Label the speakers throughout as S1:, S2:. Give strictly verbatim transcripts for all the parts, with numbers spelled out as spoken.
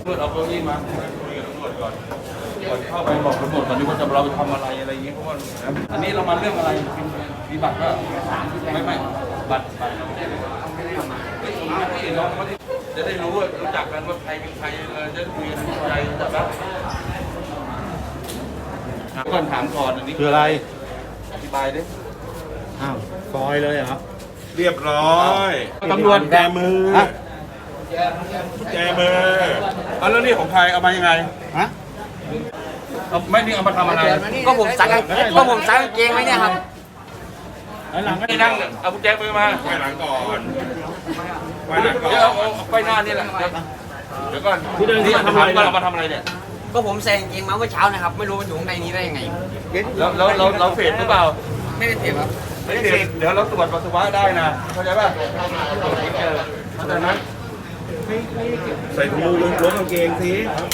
S1: เอาเก้าอี้มาคุยกับตำรวจก่อนก่อนเข้าไปบอกตำรวจก่อนดีว่าจะเราไปทำอะไรอะไรอย่างเงี้ยเพราะว่าอันนี้เรามาเรื่องอะไรมีบัตรก็ไม่ไม่บัตรบัตรเราไม่ได้ไม่ได้มาไม่ส่งมาที่น้องเขาที่จะได้รู้ว่ารู้จักกันว่าใครเป็นใครเลยจะคุยกันเข้าใจจับได้ก่อนถามก่อนอันนี้
S2: คืออะไร
S1: อธิบายดิ
S2: อ้าวซอยเลยเหรอ
S3: เรียบร้อย
S1: ตำรวจ
S3: แจมือแจมือเอาแล้วนี่ของใครเอามายังไง
S2: ฮะ
S1: เอาไม่นี่เอามาทำอะไร
S4: ก็ผมซักก็ผมซักกางเกงไว้เนี่ยครับ
S1: หลังไม่นั่งเอากุญแจมือมา
S3: ไปหลังก่อนไปหลังก่อน
S1: เดี๋ยวเอาไปหน้านี่แหละเดี๋ยวก่อนที่ทำอะไรเรามาทำอะไรเนี่ย
S4: ก็ผมใส่กางเกงมาเมื่อเช้านะครับไม่รู้มันอยู่ข้างในนี้ได้ยังไง
S1: แล้วแล้วเราเราเฟดหรือเปล่า
S4: ไม่ได้เฟดครับ
S1: ไม่ได้เฟดเดี๋ยวเราตรวจปัสสาวะได้นะเข้าใจป่ะเข้าใจไหม
S3: ใส่ถุงมือล้วงกางเกงสิ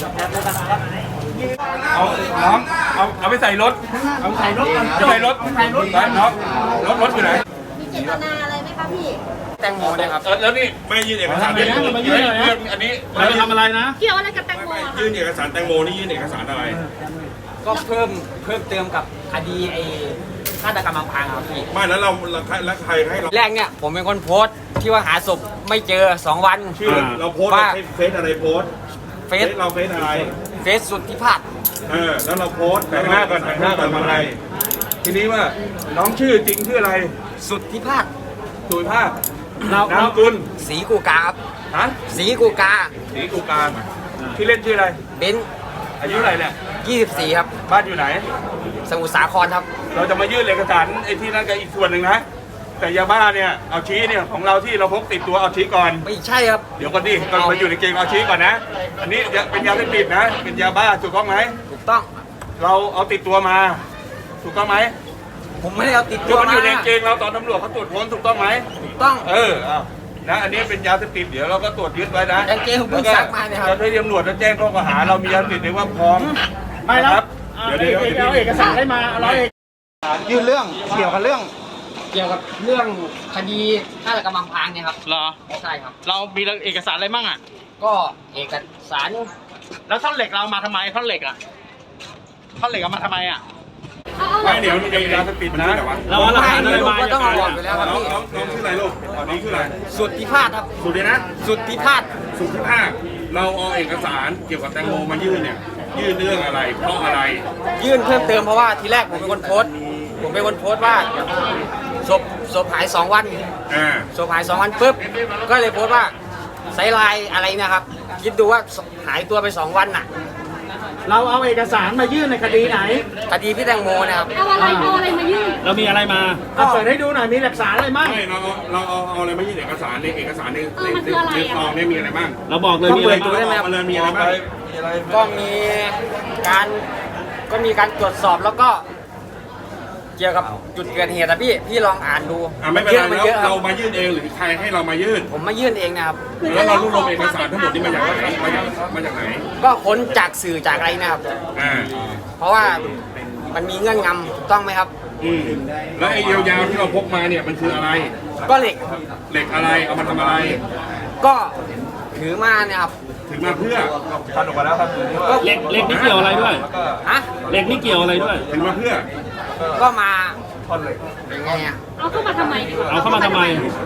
S1: เอาน้องเอาเอาไปใส่รถเอาใส่รถจะไปรถใส่รถไปน้องรถรถอยู่ไหน
S5: มีเจตนาอะไรไหมคะพี่
S4: แตงโมเนี่ยครับ
S1: แล้วนี่
S3: ไม่ยื่นเอกสารแตงโม
S1: มายื่นอันนี้
S2: เราทำอะไรนะ
S5: เกี่ยวอะไรกับแตงโม
S3: ยื่นเอกสารแตงโมนี่ยื่นเอกสารอะไร
S4: ก็เพิ่มเพิ่มเติมกับคดีไอ้ฆาตกรรมอำพรางครับพี่
S3: ไม่แล้วเราแล้วใครให้เรา
S4: แรกเนี่ยผมเป็นคนโพสต์ที่ว่าหาศพไม่เจอสองวัน
S3: ชื่อเราโพสต์ว่าเฟซอะไรโพสต์
S4: เฟซ
S3: เราเฟซอะไร
S4: เฟซสุดที่พาด
S3: เออแล้วเราโพสต์
S1: แต่งหน้าก่อนแต่งหน้าก่อนทำอะไรทีนี้ว่าน้องชื่อจริงชื่ออะไร
S4: สุดที่พาด
S1: สุดภาพนามกุล
S4: ศรีกูกาครับ
S1: ฮะ
S4: ศรีกูกา
S1: ศรีกูกาที่เล่นชื่ออะไร
S4: เบน
S1: อายุเท่าไหร่เนี่ย
S4: ยี่สิบสี่ครับ
S1: บ้านอยู่ไหน
S4: สมุทรสาครครับ
S1: เราจะมายื่นเอกสารไอ้ที่นั่นกับอีกส่วนหนึ่งนะแต่ยาบ้าเนี่ยเอาชี้เนี่ยของเราที่เราพกติดตัวเอาชี้ก่อน
S4: ไม่ใช่ครับ
S1: เดี๋ยวก่อนดิก่อนมาอยู่ในเกมเอาชี้ก่อนนะอันนี้เป็นยาเสพติดนะเป็นยาบ้าถูกต้องไหม
S4: ถูกต้อง
S1: เราเอาติดตัวมาถูกต้องไหม
S4: ผมไม่ได้เอาติดตัว
S1: มันอยู่ในเกงเราตอนตำรวจเขาตรวจค้นถูกต้องไหม
S4: ถูกต้อง
S1: เออเอานะอันนี้เป็นยาเสพติดเดี๋ยวเราก็ตรวจยึดไว้นะ
S4: กางเกงผมเพิ่งซักมาเนี่ยครับ
S1: เราได้ตำรวจจะแจ้งข้อกล่าวหาเรามียาเสพติดในว่าพร้อม
S2: ไม่ครับเดี๋ยวเดี๋ยวเอาเอกสารได้มาอะไรยื่นเรื่องเกี่ยวกับเรื่อง
S4: เกี่ยวกับเรื่องคดีฆาตกรรมอำพรางเนี่ยครับ
S2: เหรอ
S4: ใช่ครับ
S2: เรามีเอกสารอะไรบ้างอ่ะ
S4: ก็เอกสาร
S2: แล้วท่อนเหล็กเรามาทำไมท่อนเหล็กอ่ะท่อนเหล็กเอามาทำไมอ่ะ
S1: ไม่เดี๋ยวมันจะมียาเสพติดนะ
S2: เราหลักฐานอะไรมา
S4: ต้องเอาออกไปแล้วครับพี่
S3: น้องน้องชื่ออะไรลูกตอนนี้ชื่ออะไร
S4: สุดที่พาดครับ
S3: สุดเลยนะ
S4: สุดที่พาด
S3: สุดที่พาดเราเอาเอกสารเกี่ยวกับแตงโมมายื่นเนี่ยยื่นเรื่องอะไรเพราะอะไร
S4: ยื่นเพิ่มเติมเพราะว่าทีแรกผมเป็นคนโพสต์ผมเป็นคนโพสต์ว่าศพศพหายสองวันศพหายสองวันปุ๊บก็เลยโพสต์ว่าไซไลน์อะไรนะครับคิดดูว่าหายตัวไปสองวันน่ะ
S2: เราเอาเอกสารมายื่นในคดีไหน
S4: คดีพี่แตงโมนะครับ
S5: เอาอะไรเอาอะไรมายื่น
S2: เรามีอะไรมาเอาเปิดให้ดูหน่อยมีหลักฐานอะไรบ้าง
S3: ไม่เราเราเอาเอาอะไรมายื่นเอกสารในเอกสารในในในซองเนี่ยมีอะไรบ้าง
S2: เราบอกเลยมีอะไร
S4: ดูได้ไหมครับ
S3: มีอะไรบ้าง
S4: ก็มีการก็มีการตรวจสอบแล้วก็เกี่ยวกับจุดเกิดเหตุนะพี่พี่ลองอ่านดู
S3: อ่าไม่เป็นไรแล้วเรามายื่นเองหรือใครให้เรามายื่น
S4: ผมมายื่นเองนะครับ
S3: แล้วเรารวบรวมเอกสารทั้งหมดนี้มาจากมาจากมาจากไหน
S4: ก็ค้นจากสื่อจากอะไรนะครับ
S3: อ่า
S4: เพราะว่ามันมีเงื่อนงำถูกต้องไหมครับ
S3: อืมแล้วไอ้ยาวๆที่เราพกมาเนี่ยมันคืออะไร
S4: ก็เหล็ก
S3: เหล็กอะไรเอามาทำอะไร
S4: ก็ถือมาเนี่ยครับ
S3: ถือมาเพื่อ
S1: พันออกมาแล้วครับ
S2: เหล็กเหล็กนี่เกี่ยวอะไรด้วย
S4: ฮะ
S2: เหล็กนี่เกี่ยวอะไรด้วย
S3: ถือมาเพื่อ
S4: ก็มา
S1: ท่อนเหล็ก
S4: เป็นไงอ่ะ
S5: เอาเข้ามาทำไม
S2: เอาเข้ามาทำไม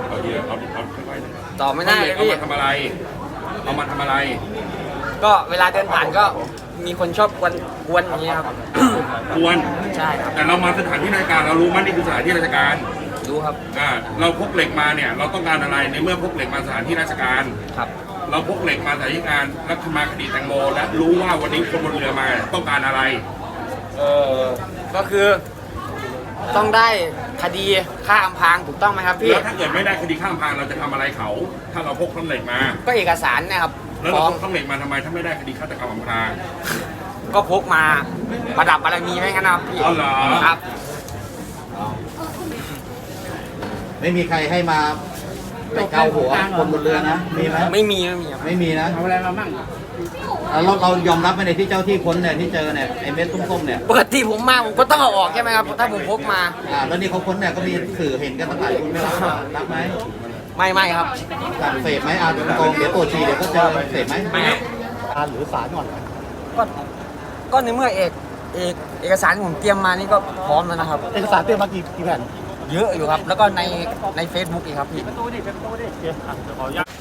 S4: ตอบไม่ได้เลยพี่
S3: เอามาทำอะไรเอามาทำอะไร
S4: ก็เวลาเดินผ่านก็มีคนชอบกวนกวนอย่างนี้ครับ
S3: กวน
S4: ใช่ครับ
S3: แต่เรามาสถานที่ราชการเรารู้มั้ยนี่คือสถานที่ราชการ
S4: รู้ครับ
S3: อ่าเราพกเหล็กมาเนี่ยเราต้องการอะไรในเมื่อพกเหล็กมาสถานที่ราชการ
S4: ครับ
S3: เราพกเหล็กมาสถานที่การรัฐมาคดีแตงโมและรู้ว่าวันนี้คนบนเรือมาต้องการอะไร
S4: เออก็คือต้องได้คดีฆ่าอำพรางถูกต้องไหมครับพี่
S3: แล้วถ้าเกิดไม่ได้คดีฆ่าอำพรางเราจะทำอะไรเขาถ้าเราพกท่อนเหล็กมา
S4: ก็เอกสารนะครับ
S3: แล้วเราพกท่อนเหล็กมาทำไมถ้าไม่ได้คดีฆาตกรรมอำพราง
S4: ก็พกมาประดับบารมีไหมครับพี่
S3: อ๋อเหรอ
S4: ครับ
S2: ไม่มีใครให้มาไปเกาหัวคนบนเรือนะมีไหม
S4: ไม่มีไม่มี
S2: ไม่มีนะ
S4: เอาอะไรมาบ้าง
S2: เราเรายอมรับไหมในที่เจ้าที่ค้นเนี่ยที่เจอเนี่ยไอ้เม็ดส้มๆเนี่ย
S4: ปกติผมมาผมก็ต้องเอาออกใช่ไหมครับถ้าผมพกมา
S2: อ่าแล้วนี่เขาค้นเนี่ยก็มีสื่อเห็นกันตั้งหลายคนไม่รับรับไหม
S4: ไม่ไม่ครับ
S2: เสพไหมอ่าเดี๋ยวโกงเดี๋ยวตัวชีเดี๋ยวก็เจอเสพไหม
S4: ไม่
S2: การหรือศาลก่อนเหรอ
S4: ก็ก็ในเมื่อเอกเอกเอกสารที่ผมเตรียมมานี่ก็พร้อมแล้วนะครับ
S2: เอกสารเตรียมมากี่กี่แผ่น
S4: เยอะอยู่ครับ แล้วก็ในใน Facebook อีกครับพี่
S2: ประตูดิประตูดิโอเคอ่ะเดี๋ยวขออนุญาต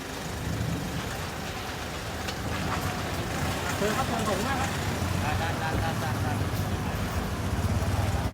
S2: เชิญครับเชิญผมนะครับ